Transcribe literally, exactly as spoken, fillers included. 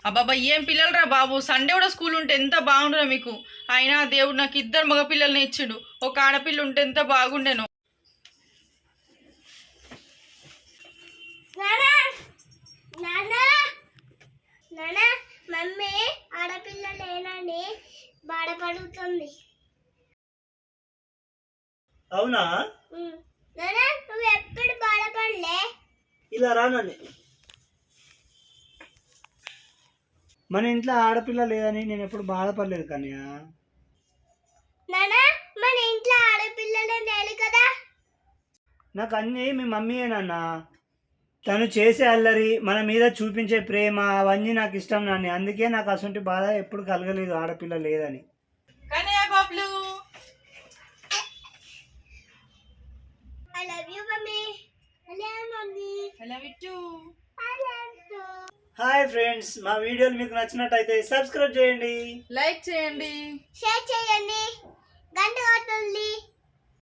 అబ్బాబా ఏం పిల్లలరా బాబు, సండే కూడా స్కూల్ ఉంటే ఎంత బాగుండురా మీకు. అయినా దేవుడు నాకు ఇద్దరు మగ పిల్లల్ని ఇచ్చిండు, ఒక ఆడపిల్ల ఉంటే ఎంత బాగుండేను. మమ్మీ ఆడపిల్ల లేనని బాధపడుతుంది. అవునా? నువ్వు ఎప్పుడు బాధపడలే. ఇలా రానండి. మన ఇంట్లో ఆడపిల్ల లేదని నేను ఎప్పుడు బాధపడలేదు కన్యా. నానా మన ఇంట్లో ఆడపిల్లలే లేదు కదా. నాకు అన్నీ మీ మమ్మీయేనన్నా. తను చేసే అల్లరి, మన మీద చూపించే ప్రేమ, అవన్నీ నాకు ఇష్టం నాన్న. అందుకే నాకు అసంటి బాధ ఎప్పుడు కలగలేదు ఆడపిల్ల లేదని. కన్నయ్య బాబులు, I love you mummy. I love mummy. I love you too. I love you. Hi friends, మా వీడియోలు మీకు నచ్చినట్టయితే సబ్స్క్రైబ్ చేయండి, లైక్ చేయండి, షేర్ చేయండి, గంట కొట్టండి.